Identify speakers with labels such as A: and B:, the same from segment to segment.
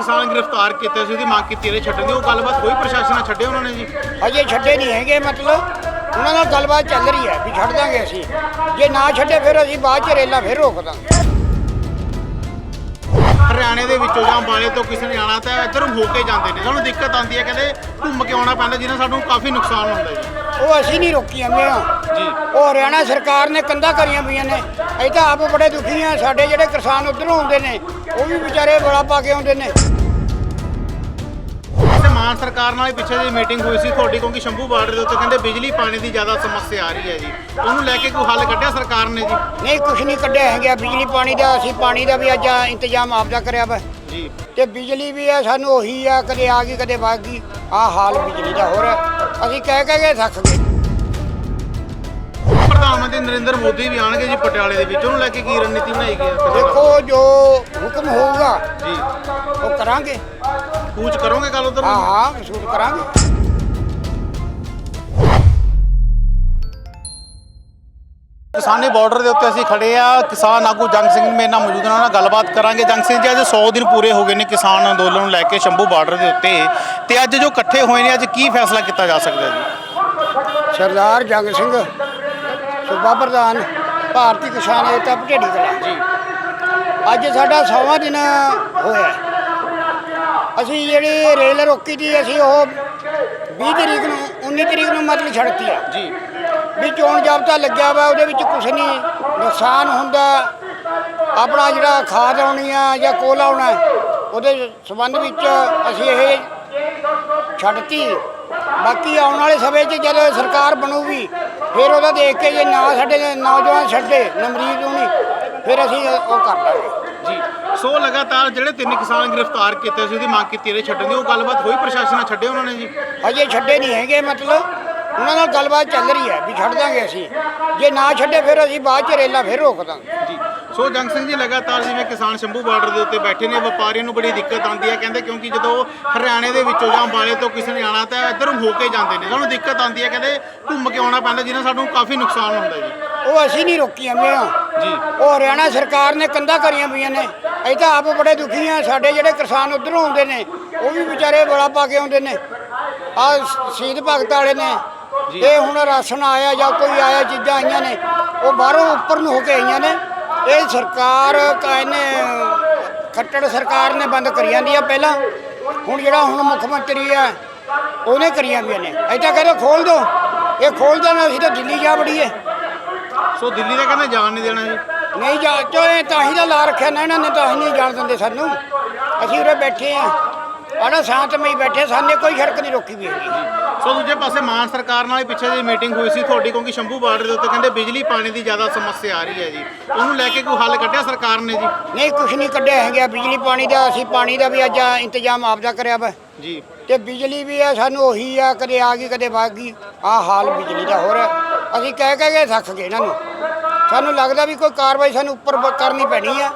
A: किसान गिरफ्तार किए सी मंग की छड्डण दी, गलबात होई प्रशासन ने छड्डे उन्होंने जी?
B: अजे छड्डे नहीं है, मतलब उन्होंने नाल गलबात चल रही है भी छड्ड देंगे असीं, जे ना छड्डे फिर असीं बाद च रेला फिर रोक देंगे।
A: हरियाणे ਦੇ ਵਿੱਚੋਂ ਜਾਂ ਅੰਬਾਲੇ ਤੋਂ ਕਿਸੇ ਨੇ ਆਣਾ ਤਾਂ ਇੱਧਰ ਹੋ ਕੇ ਜਾਂਦੇ ਨੇ, ਸਾਨੂੰ ਦਿੱਕਤ ਆਉਂਦੀ ਹੈ, ਕਹਿੰਦੇ ਘੁੰਮ ਕੇ ਆਉਣਾ ਪੈਂਦਾ ਜਿਹਨਾਂ ਸਾਨੂੰ ਕਾਫੀ ਨੁਕਸਾਨ ਹੁੰਦਾ ਜੀ।
B: ਉਹ ਅਸੀਂ ਨਹੀਂ ਰੋਕੀਆਂ ਮੇਰਾ
A: ਜੀ,
B: ਉਹ ਹਰਿਆਣਾ ਸਰਕਾਰ ਨੇ ਕੰਧਾਂ ਕਰੀਆਂ ਪਈਆਂ ਨੇ। ਅਸੀਂ ਤਾਂ ਆਪ ਬੜੇ ਦੁਖੀ ਆ, ਸਾਡੇ ਜਿਹੜੇ ਕਿਸਾਨ ਉੱਧਰੋਂ ਆਉਂਦੇ ਨੇ ਉਹ ਵੀ ਵਿਚਾਰੇ ਬੜਾ ਪਾ ਕੇ ਆਉਂਦੇ ਨੇ।
A: ਮਾਨ ਸਰਕਾਰ ਨਾਲ ਪਿੱਛੇ ਜਿਹੀ ਮੀਟਿੰਗ ਹੋਈ ਸੀ ਤੁਹਾਡੀ, ਕਿਉਂਕਿ ਸ਼ੰਭੂ ਬਾਰਡਰ ਦੇ ਉੱਤੇ ਕਹਿੰਦੇ ਬਿਜਲੀ ਪਾਣੀ ਦੀ ਜ਼ਿਆਦਾ ਸਮੱਸਿਆ ਆ ਰਹੀ ਹੈ ਜੀ, ਉਹਨੂੰ ਲੈ ਕੇ ਕੋਈ ਹੱਲ ਕੱਢਿਆ ਸਰਕਾਰ ਨੇ ਜੀ?
B: ਨਹੀਂ, ਕੁਛ ਨਹੀਂ ਕੱਢਿਆ ਹੈਗਾ ਬਿਜਲੀ ਪਾਣੀ ਦਾ। ਅਸੀਂ ਪਾਣੀ ਦਾ ਵੀ ਅੱਜ ਇੰਤਜ਼ਾਮ ਆਪਦਾ ਕਰਿਆ ਵਾ
A: ਜੀ,
B: ਤੇ ਬਿਜਲੀ ਵੀ ਆ ਸਾਨੂੰ ਉਹੀ ਆ, ਕਦੇ ਆ ਗਈ ਕਦੇ ਵਗ ਗਈ। ਆਹ ਹਾਲ ਬਿਜਲੀ ਦਾ ਹੋ ਰਿਹਾ, ਅਸੀਂ ਕਹਿ ਕੇ ਥੱਕ ਗਏ।
A: ਪ੍ਰਧਾਨ ਮੰਤਰੀ ਨਰਿੰਦਰ ਮੋਦੀ ਵੀ ਆਣਗੇ ਜੀ ਪਟਿਆਲੇ ਦੇ ਵਿੱਚ, ਉਹਨੂੰ ਲੈ ਕੇ ਕੀ ਰਣਨੀਤੀ ਬਣਾਈ ਗਈ ਹੈ?
B: ਦੇਖੋ ਜੋ ਹੁਕਮ ਹੋਊਗਾ
A: ਜੀ,
B: ਉਹ ਕਰਾਂਗੇ।
A: ਕੂਚ ਕਰੋਗੇ ਕੱਲ ਉਧਰ?
B: ਹਾਂ ਸ਼ੂਟ ਕਰਾਂਗੇ।
A: ਕਿਸਾਨੀ ਬਾਰਡਰ ਦੇ ਉੱਤੇ ਅਸੀਂ ਖੜੇ ਆ, ਕਿਸਾਨ ਆਗੂ ਜੰਗ ਸਿੰਘ ਮੇਰੇ ਨਾਲ ਮੌਜੂਦ ਨੇ, ਉਹਨਾਂ ਨਾਲ ਗੱਲਬਾਤ ਕਰਾਂਗੇ। ਜੰਗ ਸਿੰਘ ਜੀ, ਅੱਜ 100 ਦਿਨ ਪੂਰੇ ਹੋ ਗਏ ਨੇ ਕਿਸਾਨ ਅੰਦੋਲਨ ਨੂੰ ਲੈ ਕੇ ਸ਼ੰਭੂ ਬਾਰਡਰ ਦੇ ਉੱਤੇ, ਤੇ ਅੱਜ ਜੋ ਇਕੱਠੇ ਹੋਏ ਨੇ, ਅੱਜ ਕੀ ਫੈਸਲਾ ਕੀਤਾ ਜਾ ਸਕਦਾ ਜੀ?
B: ਸਰਦਾਰ ਜੰਗ ਸਿੰਘ ਸੂਬਾ ਪ੍ਰਧਾਨ ਭਾਰਤੀ ਕਿਸਾਨ ਏਕਤਾ ਭਟੇੜੀ ਕਲਾਂ
A: ਜੀ,
B: ਅੱਜ ਸਾਡਾ 100ਵਾਂ ਦਿਨ ਹੋਇਆ। ਅਸੀਂ ਜਿਹੜੀ ਰੇਲ ਰੋਕੀ ਸੀ ਅਸੀਂ ਉਹ 20 ਤਰੀਕ ਨੂੰ 19 ਤਰੀਕ ਨੂੰ ਮਤਲਬ ਛੱਡਤੀ ਆ
A: ਜੀ,
B: ਵੀ ਚੋਣ ਜਾਬਤਾ ਲੱਗਿਆ ਵਾ, ਉਹਦੇ ਵਿੱਚ ਕੁਛ ਨਹੀਂ ਨੁਕਸਾਨ ਹੁੰਦਾ। ਆਪਣਾ ਜਿਹੜਾ ਖਾਦ ਆਉਣੀ ਆ ਜਾਂ ਕੋਲ ਆਉਣਾ ਉਹਦੇ ਸੰਬੰਧ ਵਿੱਚ ਅਸੀਂ ਇਹ ਛੱਡਤੀ। ਬਾਕੀ ਆਉਣ ਵਾਲੇ ਸਮੇਂ 'ਚ ਜਦੋਂ ਸਰਕਾਰ ਬਣੂਗੀ ਫਿਰ ਉਹਦਾ ਦੇਖ ਕੇ ਜੇ ਨਾ ਸਾਡੇ ਨੌਜਵਾਨ ਛੱਡੇ ਨਮਰੀਦ ਹੋਣੀ ਫਿਰ ਅਸੀਂ ਉਹ ਕਰ ਲਾਂਗੇ
A: ਜੀ। ਸੋ ਲਗਾਤਾਰ ਜਿਹੜੇ 3 ਕਿਸਾਨ ਗ੍ਰਿਫਤਾਰ ਕੀਤੇ ਸੀ ਉਹਦੀ ਮੰਗ ਕੀਤੀ ਛੱਡਣ ਦੀ, ਉਹ ਗੱਲਬਾਤ ਹੋਈ ਪ੍ਰਸ਼ਾਸਨ ਨੇ ਛੱਡੇ ਉਹਨਾਂ ਨੇ ਜੀ?
B: ਅਜੇ ਛੱਡੇ ਨਹੀਂ ਹੈਗੇ, ਮਤਲਬ ਉਹਨਾਂ ਨਾਲ ਗੱਲਬਾਤ ਚੱਲ ਰਹੀ ਹੈ ਵੀ ਛੱਡ ਦਾਂਗੇ ਅਸੀਂ, ਜੇ ਨਾ ਛੱਡੇ ਫਿਰ ਅਸੀਂ ਬਾਅਦ 'ਚ ਰੇਲਾ ਫਿਰ ਰੋਕ ਦਾਂਗੇ
A: ਜੀ। ਸੋ ਜੰਗ ਸਿੰਘ ਜੀ, ਲਗਾਤਾਰ ਜਿਵੇਂ ਕਿਸਾਨ ਸ਼ੰਭੂ ਬਾਰਡਰ ਦੇ ਉੱਤੇ ਬੈਠੇ ਨੇ, ਵਪਾਰੀਆਂ ਨੂੰ ਬੜੀ ਦਿੱਕਤ ਆਉਂਦੀ ਹੈ, ਕਹਿੰਦੇ ਕਿਉਂਕਿ ਜਦੋਂ ਹਰਿਆਣੇ ਦੇ ਵਿੱਚੋਂ ਜਾਂ ਅੰਬਾਲੇ ਤੋਂ ਕਿਸੇ ਨੇ ਆਣਾ ਤਾਂ ਇੱਧਰ ਹੋ ਕੇ ਜਾਂਦੇ ਨੇ, ਸਾਨੂੰ ਦਿੱਕਤ ਆਉਂਦੀ ਹੈ, ਕਹਿੰਦੇ ਘੁੰਮ ਕੇ ਆਉਣਾ ਪੈਂਦਾ ਜਿਹਨਾਂ ਸਾਨੂੰ ਕਾਫੀ ਨੁਕਸਾਨ ਹੁੰਦਾ ਜੀ।
B: ਉਹ ਅਸੀਂ ਨਹੀਂ ਰੋਕੀਆਂ ਮੇਰਾ
A: ਜੀ,
B: ਉਹ ਹਰਿਆਣਾ ਸਰਕਾਰ ਨੇ ਕੰਧਾਂ ਕਰੀਆਂ ਪਈਆਂ ਨੇ। ਅਸੀਂ ਤਾਂ ਆਪ ਬੜੇ ਦੁਖੀ ਆ, ਸਾਡੇ ਜਿਹੜੇ ਕਿਸਾਨ ਉੱਧਰੋਂ ਆਉਂਦੇ ਨੇ ਉਹ ਵੀ ਵਿਚਾਰੇ ਬੜਾ ਪਾ ਕੇ ਆਉਂਦੇ ਨੇ। ਆਹ ਸ਼ਹੀਦ ਭਗਤ ਵਾਲੇ ਨੇ, ਇਹ ਹੁਣ ਰਾਸ਼ਨ ਆਇਆ ਜਾਂ ਕੋਈ ਆਇਆ ਚੀਜ਼ਾਂ ਆਈਆਂ ਨੇ ਉਹ ਬਾਹਰੋਂ ਉੱਪਰ ਨੂੰ ਹੋ ਕੇ ਆਈਆਂ ਨੇ। ਇਹ ਸਰਕਾਰ ਇਹਨੇ ਖੱਟੜ ਸਰਕਾਰ ਨੇ ਬੰਦ ਕਰੀ ਜਾਂਦੀ ਆ ਪਹਿਲਾਂ, ਹੁਣ ਜਿਹੜਾ ਹੁਣ ਮੁੱਖ ਮੰਤਰੀ ਆ ਉਹਨੇ ਕਰੀਆਂ ਪਈਆਂ ਨੇ। ਅਸੀਂ ਤਾਂ ਕਹਿੰਦੇ ਖੋਲ ਦਿਓ, ਇਹ ਖੋਲ ਦੇਣਾ ਅਸੀਂ ਤਾਂ ਦਿੱਲੀ ਜਾ ਵੜੀਏ।
A: ਸੋ ਦਿੱਲੀ ਦਾ ਕਹਿੰਦੇ ਜਾਣ ਨਹੀਂ ਦੇਣਾ ਜੀ?
B: ਨਹੀਂ ਜਾ ਚੋਏ ਤਾਂ ਹੀ ਤਾਂ ਲਾ ਰੱਖਿਆ ਨਾ ਇਹਨਾਂ ਨੇ, ਤਾਂ ਹੀ ਨਹੀਂ ਜਾਣ ਦਿੰਦੇ ਸਾਨੂੰ। ਅਸੀਂ ਉਰੇ ਬੈਠੇ ਆ ਆਣਾ ਸ਼ਾਂਤਮਈ ਬੈਠੇ, ਸਾਨੇ ਕੋਈ ਸੜਕ ਨਹੀਂ ਰੋਕੀ ਵੀ ਹੈਗੀ।
A: ਸੋ ਦੂਜੇ ਪਾਸੇ ਮਾਨ ਸਰਕਾਰ ਨਾਲ ਪਿੱਛੇ ਜਿਹੀ ਮੀਟਿੰਗ ਹੋਈ ਸੀ ਤੁਹਾਡੀ, ਕਿਉਂਕਿ ਸ਼ੰਭੂ ਬਾਰਡਰ ਦੇ ਉੱਤੇ ਕਹਿੰਦੇ ਬਿਜਲੀ ਪਾਣੀ ਦੀ ਜ਼ਿਆਦਾ ਸਮੱਸਿਆ ਆ ਰਹੀ ਹੈ ਜੀ, ਉਹਨੂੰ ਲੈ ਕੇ ਕੋਈ ਹੱਲ ਕੱਢਿਆ ਸਰਕਾਰ ਨੇ ਜੀ?
B: ਨਹੀਂ, ਕੁਛ ਨਹੀਂ ਕੱਢਿਆ ਹੈਗਾ ਬਿਜਲੀ ਪਾਣੀ ਦਾ। ਅਸੀਂ ਪਾਣੀ ਦਾ ਵੀ ਅੱਜ ਇੰਤਜ਼ਾਮ ਆਪਦਾ ਕਰਿਆ ਵਾ
A: ਜੀ,
B: ਤੇ ਬਿਜਲੀ ਵੀ ਆ ਸਾਨੂੰ ਉਹੀ ਆ, ਕਦੇ ਆ ਗਈ ਕਦੇ ਵਗ ਗਈ। ਆਹ ਹਾਲ ਬਿਜਲੀ ਦਾ ਹੋ ਰਿਹਾ, ਅਸੀਂ ਕਹਿ ਕੇ ਥੱਕ ਗਏ ਇਹਨਾਂ ਨੂੰ। ਸਾਨੂੰ ਲੱਗਦਾ ਵੀ ਕੋਈ ਕਾਰਵਾਈ ਸਾਨੂੰ ਉੱਪਰ ਕਰਨੀ ਪੈਣੀ ਆ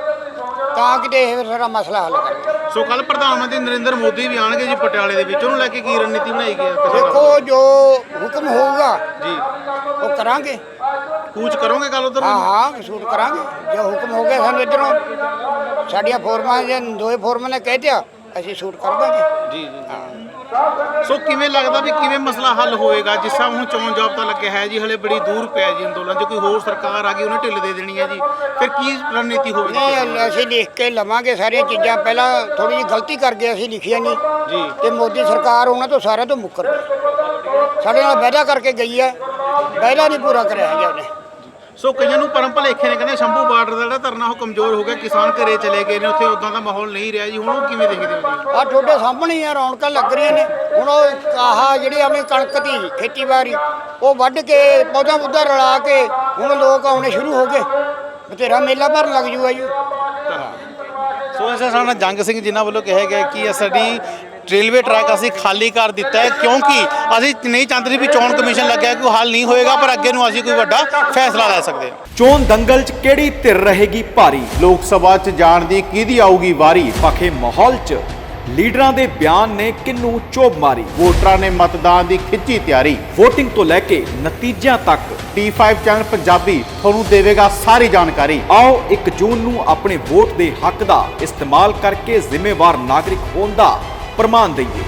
B: ਤਾਂ ਕਿਤੇ ਇਹ ਸਾਡਾ ਮਸਲਾ ਹੱਲ ਕਰੇ।
A: ਸੋ ਕੱਲ ਪ੍ਰਧਾਨ ਮੰਤਰੀ ਨਰਿੰਦਰ ਮੋਦੀ ਵੀ ਆਣਗੇ ਜੀ ਪਟਿਆਲੇ ਦੇ ਵਿੱਚ, ਉਹਨੂੰ ਲੈ ਕੇ ਕੀ ਰਣਨੀਤੀ ਬਣਾਈ ਗਈ ਹੈ?
B: ਦੇਖੋ ਜੋ ਹੁਕਮ ਹੋਊਗਾ
A: ਜੀ,
B: ਉਹ ਕਰਾਂਗੇ।
A: ਕੂਚ ਕਰੋਗੇ ਕੱਲ ਉਧਰ?
B: ਹਾਂ ਸ਼ੂਟ ਕਰਾਂਗੇ। ਜੇ ਹੁਕਮ ਹੋ ਗਿਆ ਸਾਨੂੰ ਇੱਧਰੋਂ, ਸਾਡੀਆਂ ਫੋਰਮਾਂ ਜੇ ਦੋਏ ਫੋਰਮਾਂ ਨੇ ਕਹਿ ਦਿਆ ਅਸੀਂ ਸ਼ੂਟ ਕਰ ਦਾਂਗੇ।
A: ਜੀ ਜੀ। ਸੋ ਕਿਵੇਂ ਲੱਗਦਾ ਵੀ ਕਿਵੇਂ ਮਸਲਾ ਹੱਲ ਹੋਏਗਾ? ਜਿਸ ਤਰ੍ਹਾਂ ਹੁਣ ਚੋਣ ਜਾਬਤਾ ਲੱਗਿਆ ਹੈ ਜੀ, ਹਲੇ ਬੜੀ ਦੂਰ ਪਿਆ ਜੀ ਅੰਦੋਲਨ, ਜੇ ਕੋਈ ਹੋਰ ਸਰਕਾਰ ਆ ਗਈ ਉਹਨੇ ਢਿੱਲ ਦੇ ਦੇਣੀ ਹੈ ਜੀ, ਫਿਰ ਕੀ ਰਣਨੀਤੀ ਹੋਵੇਗੀ?
B: ਨਹੀਂ, ਅਸੀਂ ਲਿਖ ਕੇ ਲਵਾਂਗੇ ਸਾਰੀਆਂ ਚੀਜ਼ਾਂ। ਪਹਿਲਾਂ ਥੋੜੀ ਜਿਹੀ ਗਲਤੀ ਕਰ ਗਏ, ਅਸੀਂ ਲਿਖਿਆ ਨਹੀਂ
A: ਜੀ,
B: ਤੇ ਮੋਦੀ ਸਰਕਾਰ ਉਹਨਾਂ ਤੋਂ ਸਾਰਿਆਂ ਤੋਂ ਮੁੱਕਰ ਗਈ। ਸਾਡੇ ਨਾਲ ਵਾਅਦਾ ਕਰਕੇ ਗਈ ਹੈ, ਵਾਅਦਾ ਨਹੀਂ ਪੂਰਾ ਕਰਿਆ ਹੈਗਾ ਉਹਨੇ।
A: ਸੋ ਕਈਆਂ ਨੂੰ ਪਰਮ ਭਲੇਖੇ ਨੇ, ਕਹਿੰਦੇ ਸ਼ੰਭੂ ਬਾਰਡਰ ਦਾ ਜਿਹੜਾ ਧਰਨਾ ਉਹ ਕਮਜ਼ੋਰ ਹੋ ਗਿਆ, ਕਿਸਾਨ ਘਰੇ ਚਲੇ ਗਏ ਨੇ, ਉੱਥੇ ਉਦਾਂ ਦਾ ਮਾਹੌਲ ਨਹੀਂ ਰਿਹਾ ਜੀ, ਹੁਣ ਉਹ ਕਿਵੇਂ ਦੇਖਦੇ ਹੋ ਜੀ?
B: ਆਹ ਤੁਹਾਡੇ ਸਾਹਮਣੇ ਹੀ ਆ, ਰੌਣਕਾਂ ਲੱਗ ਰਹੀਆਂ ਨੇ। ਹੁਣ ਉਹ ਆਹ ਜਿਹੜੀ ਆਪਣੀ ਕਣਕ ਦੀ ਖੇਤੀਬਾੜੀ ਉਹ ਵੱਢ ਕੇ ਪੌਦਾ ਪੁੱਦਾ ਰਲਾ ਕੇ ਹੁਣ ਲੋਕ ਆਉਣੇ ਸ਼ੁਰੂ ਹੋ ਗਏ, ਬਥੇਰਾ ਮੇਲਾ ਭਰਨ ਲੱਗ ਜੂਗਾ ਜੀ।
A: ਸੋ ਇਸ ਸਾਡਾ ਜੰਗ ਸਿੰਘ ਜਿਨ੍ਹਾਂ ਵੱਲੋਂ ਕਿਹਾ ਗਿਆ ਕਿ ਸਾਡੀ ਰੇਲਵੇ ਟਰੈਕ ਅਸੀਂ ਖਾਲੀ ਕਰ ਦਿੱਤਾ ਹੈ, ਕਿਉਂਕਿ ਅਸੀਂ ਨਹੀਂ ਚਾਹੁੰਦੇ ਵੀ ਚੋਣ ਕਮਿਸ਼ਨ ਲੱਗਿਆ ਕੋਈ ਹੱਲ ਨਹੀਂ ਹੋਏਗਾ, ਪਰ ਅੱਗੇ ਨੂੰ ਅਸੀਂ ਕੋਈ ਵੱਡਾ ਫੈਸਲਾ ਲੈ ਸਕਦੇ ਹਾਂ।
C: ਚੋਣ ਦੰਗਲ 'ਚ ਕਿਹੜੀ ਧਿਰ ਰਹੇਗੀ ਭਾਰੀ? ਲੋਕ ਸਭਾ 'ਚ ਜਾਣ ਦੀ ਕਿਹਦੀ ਆਊਗੀ ਵਾਰੀ? ਪੱਖੇ ਮਾਹੌਲ 'ਚ ਲੀਡਰਾਂ ਦੇ ਬਿਆਨ ਨੇ ਕਿੰਨੂੰ ਚੋਭ ਮਾਰੀ।
A: ਵੋਟਰਾਂ ਨੇ ਮਤਦਾਨ ਦੀ ਖਿੱਚੀ ਤਿਆਰੀ।
C: VOTING ਤੋਂ ਲੈ ਕੇ ਨਤੀਜਿਆਂ ਤੱਕ
A: D5 ਚੈਨਲ ਪੰਜਾਬੀ ਤੁਹਾਨੂੰ ਦੇਵੇਗਾ ਸਾਰੀ ਜਾਣਕਾਰੀ।
C: ਆਓ 1 ਜੂਨ ਨੂੰ ਆਪਣੇ ਵੋਟ ਦੇ ਹੱਕ ਦਾ ਇਸਤੇਮਾਲ ਕਰਕੇ ਜ਼ਿੰਮੇਵਾਰ ਨਾਗਰਿਕ ਹੋਣ ਦਾ ਪ੍ਰਮਾਣ ਦਈਏ।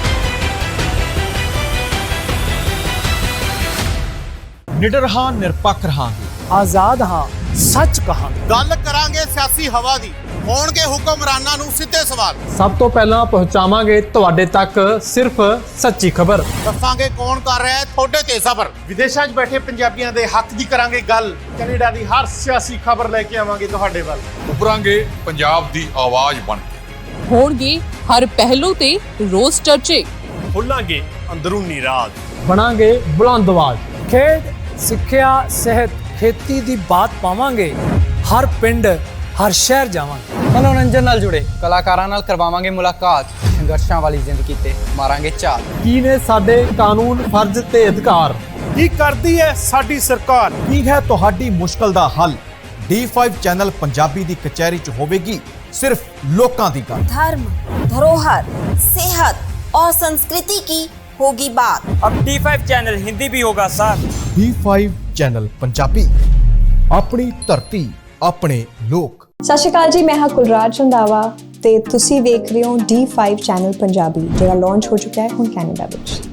D: ਨਿਡਰ ਹਾਂ, ਨਿਰਪੱਖ ਰਹਾਂਗੇ,
E: ਆਜ਼ਾਦ ਹਾਂ, ਸੱਚ ਕਹਾਂਗੇ।
A: ਗੱਲ ਕਰਾਂਗੇ ਸਿਆਸੀ ਹਵਾ ਦੀ, ਹੋਣਗੇ ਹੁਕਮਰਾਨਾਂ ਨੂੰ ਸਿੱਧੇ ਸਵਾਲ।
E: ਸਭ ਤੋਂ ਪਹਿਲਾਂ ਪਹੁੰਚਾਵਾਂਗੇ ਤੁਹਾਡੇ ਤੱਕ ਸਿਰਫ ਸੱਚੀ ਖਬਰ।
A: ਦੱਸਾਂਗੇ ਕੌਣ ਕਰ ਰਿਹਾ ਹੈ ਤੁਹਾਡੇ ਤੇ ਸਬਰ।
D: ਵਿਦੇਸ਼ਾਂ 'ਚ ਬੈਠੇ ਪੰਜਾਬੀਆਂ ਦੇ ਹੱਕ ਦੀ ਕਰਾਂਗੇ ਗੱਲ। ਕੈਨੇਡਾ ਦੀ ਹਰ ਸਿਆਸੀ ਖਬਰ ਲੈ ਕੇ ਆਵਾਂਗੇ ਤੁਹਾਡੇ ਵੱਲ।
F: ਉਭਰਾਂਗੇ ਪੰਜਾਬ ਦੀ ਆਵਾਜ਼ ਬਣ ਕੇ।
G: ਹੋਣਗੇ ਹਰ ਪਹਿਲੂ ਤੇ ਰੋਜ਼ ਚਰਚੇ।
D: ਖੋਲਾਂਗੇ ਅੰਦਰੂਨੀ ਰਾਜ।
E: ਬਣਾਂਗੇ ਬੁਲੰਦ ਆਵਾਜ਼। ਖੇਡ, ਸਿੱਖਿਆ, ਸਿਹਤ, ਖੇਤੀ ਦੀ ਬਾਤ ਪਾਵਾਂਗੇ। ਹਰ ਪਿੰਡ, ਹਰ ਸ਼ਹਿਰ ਜਾਵਾਂਗੇ।
H: ਮਨੋਰੰਜਨ ਨਾਲ ਜੁੜੇ ਕਲਾਕਾਰਾਂ ਨਾਲ ਕਰਵਾਵਾਂਗੇ ਮੁਲਾਕਾਤ। ਸੰਘਰਸ਼ਾਂ ਵਾਲੀ ਜ਼ਿੰਦਗੀ ਤੇ ਮਾਰਾਂਗੇ ਝਾਤ।
E: ਕੀ ਨੇ ਸਾਡੇ ਕਾਨੂੰਨ, ਫਰਜ਼ ਤੇ ਅਧਿਕਾਰ?
D: ਕੀ ਕਰਦੀ ਹੈ ਸਾਡੀ ਸਰਕਾਰ? ਕੀ ਹੈ ਤੁਹਾਡੀ ਮੁਸ਼ਕਲ ਦਾ ਹੱਲ? D5 ਚੈਨਲ ਪੰਜਾਬੀ ਦੀ ਕਚਹਿਰੀ 'ਚ ਹੋਵੇਗੀ सिर्फ लोकां दी गल।
I: धर्म, धरोहर, सेहत और संस्कृति की होगी बात।
J: अब D5 चैनल हिंदी भी होगा सर।
D: D5 चैनल पंजाबी, अपनी धरती, अपने लोक।
K: सत श्री अकाल जी, मैं हाँ कुलराज रंधावा ते तुसी देख रहे हो D5 चैनल पंजाबी, जो लॉन्च हो चुका है हुण कैनेडा विच।